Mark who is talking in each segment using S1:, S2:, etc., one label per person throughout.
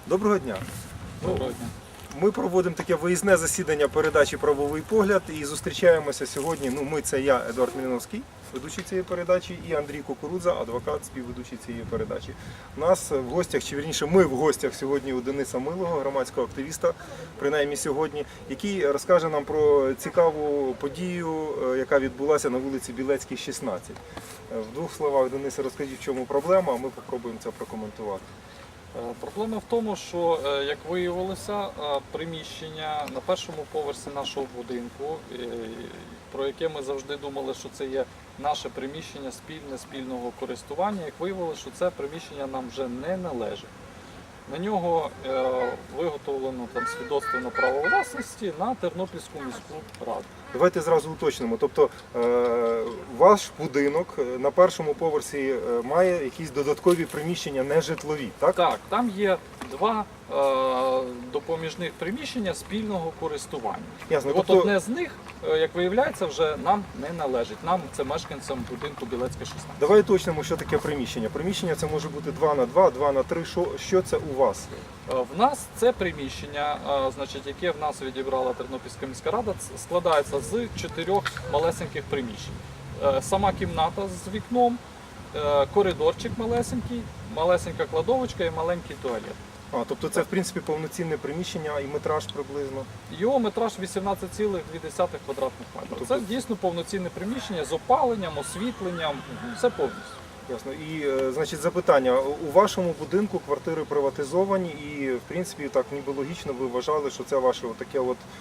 S1: Доброго дня.
S2: Доброго дня.
S1: Ми проводимо таке виїзне засідання передачі «Правовий погляд» і зустрічаємося сьогодні. Це я, Едуард Міліновський, ведучий цієї передачі, і Андрій Кукурудза, адвокат, співведучий цієї передачі. У нас в гостях, чи вірніше ми в гостях сьогодні у Дениса Милого, громадського активіста, принаймні сьогодні, який розкаже нам про цікаву подію, яка відбулася на вулиці Білецькій, 16. В двох словах, Денисе, розкажіть, в чому проблема, а ми спробуємо це прокоментувати.
S2: Проблема в тому, що, як виявилося, приміщення на першому поверсі нашого будинку, про яке ми завжди думали, що це є наше приміщення спільного користування, як виявилося, що це приміщення нам вже не належить. На нього виготовлено свідоцтво на право власності на Тернопільську міську раду.
S1: Давайте зразу уточнимо. Тобто ваш будинок на першому поверсі має якісь додаткові приміщення нежитлові, так?
S2: Так, там є два допоміжних приміщення спільного користування.
S1: Ясно.
S2: От
S1: Тобто,
S2: одне з них, як виявляється, вже нам не належить. Нам, це мешканцям будинку Білецька, 16.
S1: давай уточнимо, що таке приміщення. Приміщення це може бути 2 на 2, 2 на 3. Що це у вас?
S2: В нас це приміщення, яке в нас відібрала Тернопільська міська рада, складається з 4 малесеньких приміщень. Сама кімната з вікном, коридорчик малесенький, малесенька кладовочка і маленький туалет.
S1: Тобто це, в принципі, повноцінне приміщення і метраж приблизно?
S2: Його метраж 18,2 квадратних метрів. Це дійсно повноцінне приміщення з опаленням, освітленням, все повністю.
S1: Ясно. І, значить, запитання. У вашому будинку квартири приватизовані і, в принципі, так ніби логічно ви вважали, що це ваше таке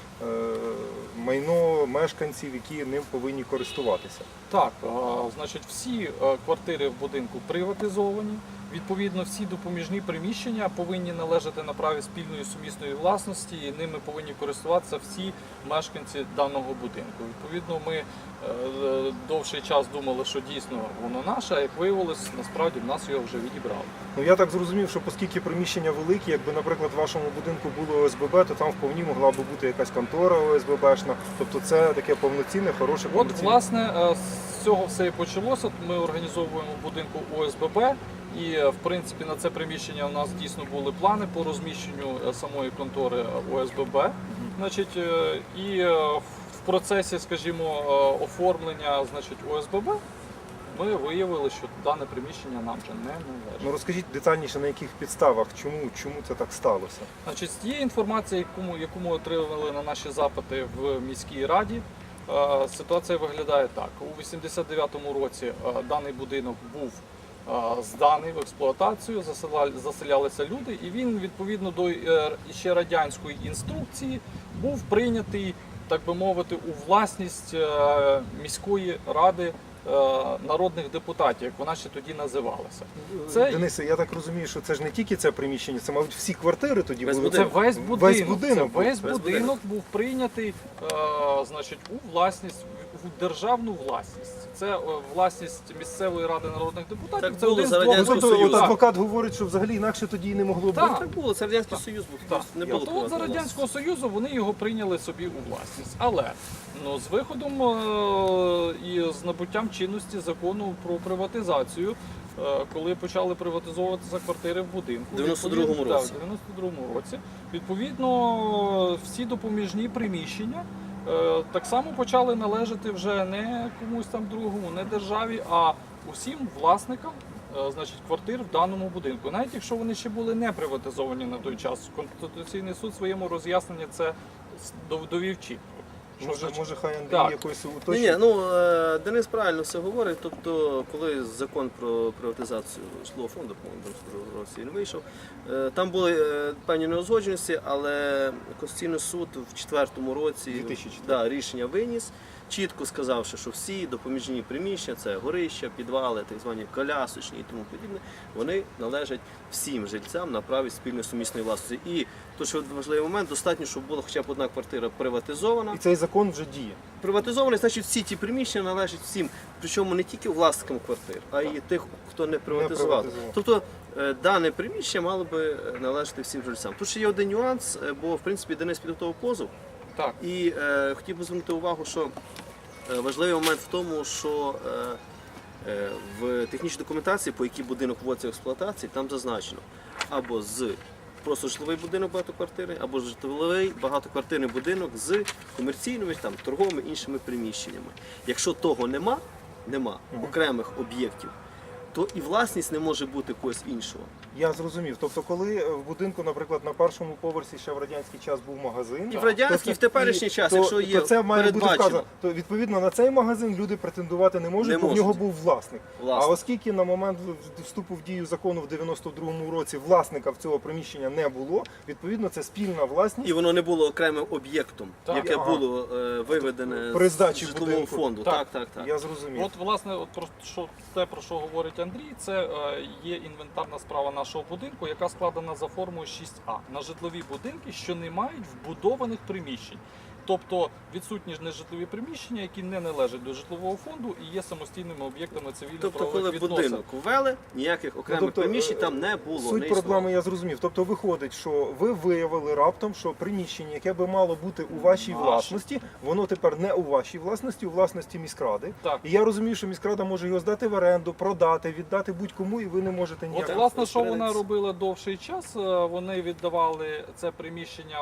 S1: майно мешканців, які ним повинні користуватися?
S2: Так, всі квартири в будинку приватизовані. Відповідно, всі допоміжні приміщення повинні належати на праві спільної сумісної власності, і ними повинні користуватися всі мешканці даного будинку. Відповідно, ми довший час думали, що дійсно воно наше, а як виявилось, насправді в нас його вже відібрали.
S1: Я так зрозумів, що оскільки приміщення великі, якби, наприклад, в вашому будинку було ОСББ, то там вповні могла б бути якась контора ОСББшна. Тобто це таке повноцінне, хороше повноцінне.
S2: Власне, з цього все і почалося. Ми організовуємо в будинку ОСББ. І, в принципі, на це приміщення у нас дійсно були плани по розміщенню самої контори ОСББ. І в процесі, скажімо, оформлення ОСББ ми виявили, що дане приміщення нам вже не належить.
S1: Розкажіть детальніше, на яких підставах, чому це так сталося?
S2: З тієї інформації, яку ми отримали на наші запити в міській раді, ситуація виглядає так. У 89-му році даний будинок був зданий в експлуатацію, заселялися люди, і він, відповідно до ще радянської інструкції, був прийнятий, так би мовити, у власність міської ради народних депутатів, як вона ще тоді називалася.
S1: Денисе, я так розумію, що це ж не тільки це приміщення, це, мабуть, всі квартири тоді були?
S2: Це весь будинок.
S1: Весь
S2: будинок був прийнятий у власність, у державну власність. Це власність місцевої ради народних депутатів.
S3: Так
S2: це
S3: було за Радянського Союзу.
S1: Адвокат говорить, що взагалі інакше тоді і не могло бути.
S3: Так було, це Радянський Союз був, не було
S2: От за Радянського Союзу вони його прийняли собі у власність. Але з виходом і з набуттям чинності закону про приватизацію, коли почали приватизовуватися квартири в будинку,
S3: в 92-му році.
S2: в 92-му році, відповідно, всі допоміжні приміщення так само почали належати вже не комусь там другому, не державі, а усім власникам квартир в даному будинку. Навіть якщо вони ще були не приватизовані на той час, Конституційний суд в своєму роз'ясненні це довів чітко.
S1: Може, хай Андрій якось уточнить?
S3: Денис правильно все говорить. Тобто, коли закон про приватизацію житлового фонду, по-моєму, в році він вийшов, там були певні неузгодженості, але Конституційний суд в 2004 році
S1: 2004.
S3: Рішення виніс, чітко сказавши, що всі допоміжні приміщення, це горища, підвали, так звані колясочні і тому подібне, вони належать всім жильцям на праві спільної сумісної власності. І тут, що важливий момент, достатньо, щоб була хоча б одна квартира приватизована.
S1: І цей закон вже діє.
S3: Приватизований, значить, всі ті приміщення належать всім, причому не тільки власникам квартир, а й тих, хто не приватизував. Тобто дане приміщення мало би належати всім жильцям. Тут ще є один нюанс, бо, в принципі, Денис підготував позов.
S2: Так.
S3: І хотів би звернути увагу, що важливий момент в тому, що в технічній документації, по якій будинок вводиться в експлуатацію, там зазначено або з просто житловий будинок багатоквартирний, або житловий багатоквартирний будинок з комерційними, там, торговими іншими приміщеннями. Якщо того нема окремих об'єктів, то і власність не може бути когось іншого.
S1: Я зрозумів. Тобто, коли в будинку, наприклад, на першому поверсі ще в радянський час був магазин,
S3: І в радянський, і в теперішній час, якщо є
S1: то це має бути
S3: передбачено.
S1: вказано. То відповідно на цей магазин люди претендувати не можуть,
S3: Не
S1: бо в
S3: можуть.
S1: нього був власник.
S3: Власник.
S1: А оскільки на момент вступу в дію закону в 92-му році власника в цього приміщення не було, відповідно це спільна власність.
S3: І воно не було окремим об'єктом,
S2: Так.
S3: яке
S1: Ага.
S3: було виведене
S1: При
S3: з
S1: здачі
S3: житлового
S1: будинку.
S3: фонду.
S2: Так.
S3: Так.
S1: Я зрозумів.
S2: От, власне, от те, про що говорить Андрій, це є інвентарна справа нашого будинку, яка складена за формою 6А на житлові будинки, що не мають вбудованих приміщень. Тобто відсутні нежитлові приміщення, які не належать до житлового фонду і є самостійними об'єктами
S3: Тобто,
S2: цивільно-правових
S3: коли
S2: відносин.
S3: будинок ввели, ніяких окремих
S1: тобто,
S3: приміщень там не було.
S1: Суть
S3: не
S1: проблеми
S3: існувало.
S1: я зрозумів. Тобто виходить, що ви виявили раптом, що приміщення, яке би мало бути у вашій
S2: Наше.
S1: власності, воно тепер не у вашій власності, у власності міськради.
S2: Так.
S1: І я розумію, що міськрада може його здати в оренду, продати, віддати будь-кому, і ви не можете ніяк.
S2: От, власне, що вона
S3: розпорядитися.
S2: робила довший час, вони віддавали це приміщення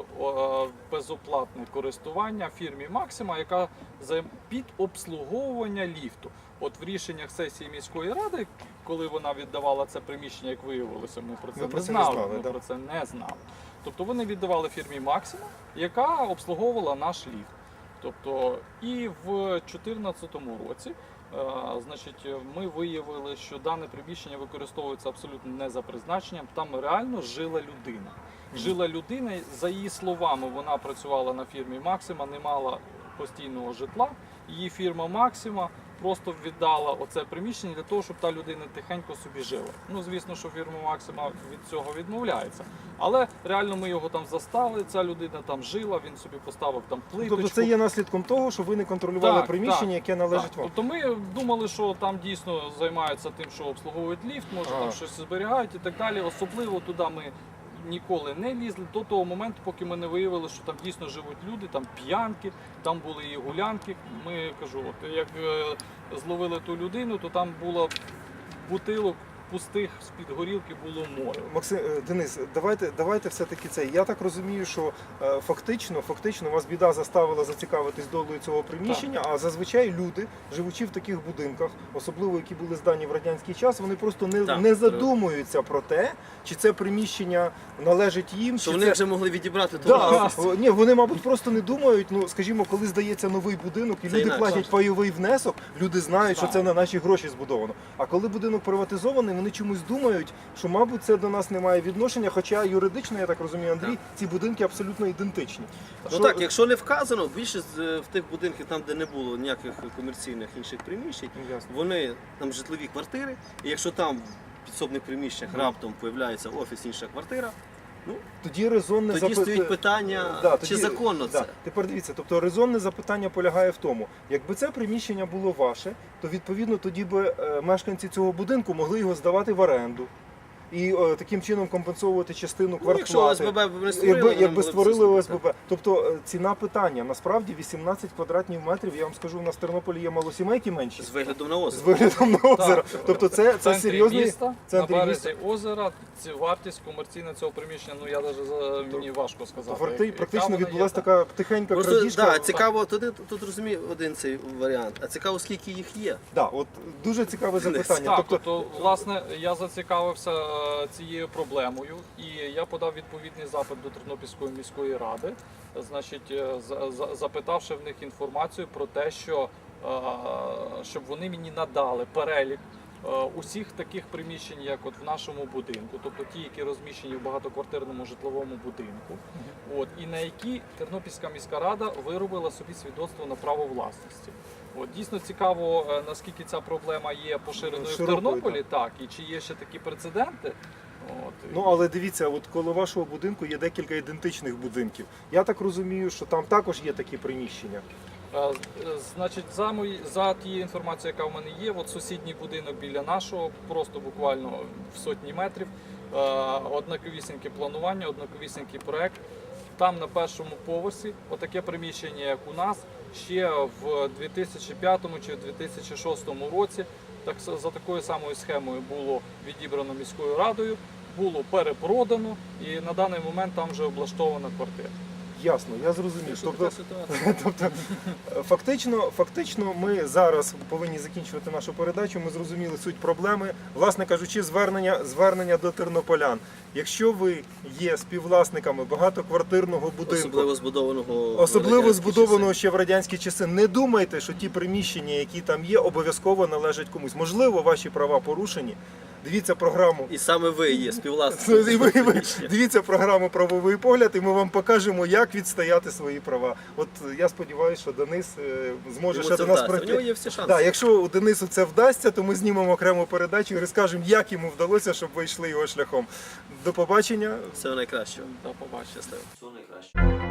S2: в безоплатне користування фірмі Максима, яка під обслуговування ліфту. От в рішеннях сесії міської ради, коли вона віддавала це приміщення, як виявилося, ми про це
S1: Ви
S2: не
S1: про це не
S2: знали.
S1: знали,
S2: Ми
S1: да?
S2: про це не знали. Тобто вони віддавали фірмі Максима, яка обслуговувала наш ліфт. Тобто і в 2014 році, значить, ми виявили, що дане приміщення використовується абсолютно не за призначенням. Там реально жила людина. Жила людина, за її словами, вона працювала на фірмі Максима, не мала постійного житла. Її фірма Максима просто віддала оце приміщення для того, щоб та людина тихенько собі жила. Ну, звісно, що фірма Максима від цього відмовляється. Але реально ми його там застали, ця людина там жила, він собі поставив там плиточку.
S1: Тобто це є наслідком того, що ви не контролювали
S2: Так,
S1: приміщення,
S2: так,
S1: яке належить
S2: Так.
S1: вам.
S2: Тобто ми думали, що там дійсно займаються тим, що обслуговують ліфт, може
S1: Ага.
S2: там щось зберігають і так далі. Особливо туди ми ніколи не лізли до того моменту, поки ми не виявили, що там дійсно живуть люди, там п'янки, там були і гулянки. Ми кажу, от як зловили ту людину, то там було бутилок пустих з-під горілки було море.
S1: Максим, Денис, давайте все-таки це. Я так розумію, що фактично вас біда заставила зацікавитись долею цього приміщення, а зазвичай люди, живучи в таких будинках, особливо які були здані в радянський час, вони просто
S3: Так.
S1: не задумуються про те, чи це приміщення належить їм,
S3: Що
S1: чи
S3: вони
S1: це...
S3: вже могли відібрати ту
S1: Да,
S3: власність.
S1: ні, вони, мабуть, просто не думають. Ну, скажімо, коли здається новий будинок і
S3: Це
S1: люди
S3: інакше.
S1: платять пайовий внесок, люди знають, що
S2: Так.
S1: це на наші гроші збудовано. А коли будинок приватизований, вони чомусь думають, що, мабуть, це до нас не має відношення. Хоча юридично, я так розумію, Андрій,
S3: Так.
S1: ці будинки абсолютно ідентичні.
S3: Ну
S1: Що-
S3: так, якщо не вказано, більшість в тих будинках, там де не було ніяких комерційних інших приміщень,
S1: Ясно.
S3: вони там житлові квартири, і якщо там в підсобних приміщеннях раптом появляється офіс, інша квартира, ну
S1: Тоді резонне
S3: тоді стоїть питання,
S1: Да,
S3: чи
S1: тоді-
S3: законно
S1: да.
S3: це.
S1: Тепер дивіться, тобто резонне запитання полягає в тому, якби це приміщення було ваше, то відповідно тоді би мешканці цього будинку могли його здавати в оренду. І таким чином компенсовувати частину
S3: Ну,
S1: квартплати.
S3: якщо ОСББ б не створили, вони
S1: якби
S3: могли б
S1: створили
S3: це
S1: ОСББ. Тобто ціна питання, насправді 18 квадратних метрів, я вам скажу, у нас в Тернополі є малосімейки менші.
S3: з виглядом на
S1: З
S3: озеро.
S1: виглядом на озеро.
S2: Так.
S1: Тобто
S2: В
S1: це
S2: центрі
S1: серйозний
S2: міста, на
S1: центрі
S2: березі
S1: міста.
S2: озера, вартість комерційна цього приміщення, ну я навіть мені важко сказати. яка
S1: Практично
S2: вона є,
S1: відбулася
S2: так.
S1: така тихенька
S3: Просто
S1: крадіжка.
S3: да, цікаво, тут розумію один цей варіант, а цікаво, скільки їх є.
S1: Да, от дуже цікаве запитання.
S2: Так,
S1: Тобто,
S2: тобто, власне, я зацікавився цією проблемою, і я подав відповідний запит до Тернопільської міської ради, значить, запитавши в них інформацію про те, що щоб вони мені надали перелік усіх таких приміщень, як от в нашому будинку, тобто ті, які розміщені в багатоквартирному житловому будинку, от, і на які Тернопільська міська рада виробила собі свідоцтво на право власності. От, дійсно цікаво, наскільки ця проблема є поширеною в
S1: Широкою,
S2: Тернополі, так, і чи є ще такі прецеденти. От,
S1: ну але дивіться, от коло вашого будинку є декілька ідентичних будинків. Я так розумію, що там також є такі приміщення.
S2: Значить, за тією інформацією, яка в мене є, от сусідній будинок біля нашого, просто буквально в сотні метрів, однаковісіньке планування, однаковісінький проект. Там на першому поверсі отаке приміщення, як у нас, ще в 2005 чи в 2006 році, так за такою самою схемою було відібрано міською радою. було перепродано і на даний момент там вже облаштована квартира.
S1: Ясно, я зрозумів.
S3: Що
S1: Тобто,
S3: така ситуація?
S1: фактично, ми зараз повинні закінчувати нашу передачу. Ми зрозуміли суть проблеми. Власне кажучи, звернення до тернополян. Якщо ви є співвласниками багатоквартирного будинку,
S3: Особливо
S1: збудованого ще в радянські часи, не думайте, що ті приміщення, які там є, обов'язково належать комусь. Можливо, ваші права порушені. Дивіться програму.
S3: І саме ви є співвласником.
S1: І ви дивіться програму «Правовий погляд», і ми вам покажемо, як відстояти свої права. От я сподіваюся, що Денис зможе
S3: Йому
S1: ще
S3: це
S1: до нас
S3: вдасться. У
S1: прийти.
S3: нього є всі шанси.
S1: Да, якщо у Денису це вдасться, то ми знімемо окрему передачу і розкажемо, як йому вдалося, щоб ви йшли його шляхом. До побачення.
S3: Всього найкращого.
S2: До побачення.
S3: Щасливо. Всього найкращого.